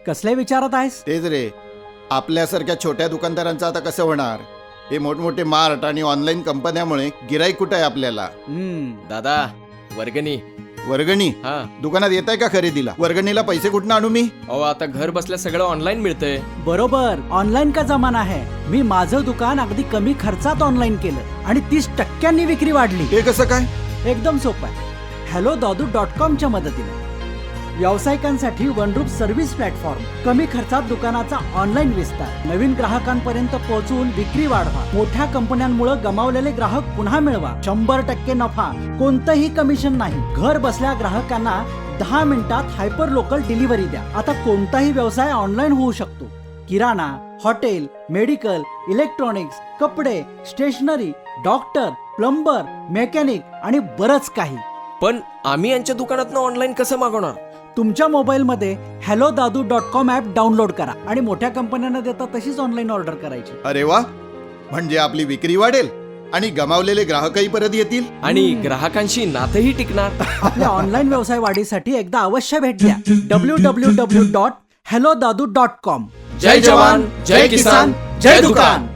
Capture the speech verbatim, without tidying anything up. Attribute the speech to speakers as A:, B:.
A: कसले विचारत आहेस?
B: तेच रे, आपल्यासारख्या छोट्या दुकानदारांचं आता कसं होणार? हे मोठमोठे मार्ट आणि ऑनलाईन कंपन्यामुळे गिराईक कुठं आहे आपल्याला?
A: हम्म,
C: दादा वर्गणी.
B: वर्गणी
C: हा
B: दुकानात येत आहे का खरेदीला? वर्गणीला पैसे कुठून आणू मी?
C: अहो आता घर बसल्या सगळं ऑनलाईन मिळतंय.
A: बरोबर. ऑनलाईन का जमाना आहे. मी माझं दुकान अगदी कमी खर्चात ऑनलाईन केलं आणि तीस टक्क्यांनी विक्री वाढली.
B: हे कसं काय?
A: एकदम सोपं आहे. हॅलो दादू डॉट कॉमच्या मदतीने व्यावसायिकांसाठी वनरूप सर्व्हिस प्लॅटफॉर्म. कमी खर्चात दुकानाचा ऑनलाईन विस्तार, नवीन ग्राहकांपर्यंत पोहोचून विक्री वाढवा, मोठ्या कंपन्यांमुळे गमावलेले ग्राहक पुन्हा मिळवा, शंभर टक्के नफा, कोणतंही कमिशन नाही. घर बसल्या ग्राहकांना दहा मिनिटात हायपर लोकल डिलिव्हरी द्या. आता कोणताही व्यवसाय ऑनलाईन होऊ शकतो. किराणा, हॉटेल, मेडिकल, इलेक्ट्रॉनिक्स, कपडे, स्टेशनरी, डॉक्टर, प्लंबर, मेकॅनिक आणि बरंच काही.
C: पण आम्ही यांच्या दुकानातनं ऑनलाईन कसं मागवणार?
A: तुमच्या मोबाईलमध्ये hello Dadu dot com app download करा आणि मोठ्या कंपन्यांना देता तशीच ऑनलाईन ऑर्डर करायची.
B: अरे वा, म्हणजे आपली विक्री वाढेल आणि गमावलेले ग्राहकही परत येतील
C: आणि ग्राहकांशी नातंही टिकणार.
A: आपल्या ऑनलाईन व्यवसाय वाढीसाठी एकदा अवश्य भेट द्या. W W W dot hello Dadu dot com.
C: जय जवान, जय किसान, जय दुकान.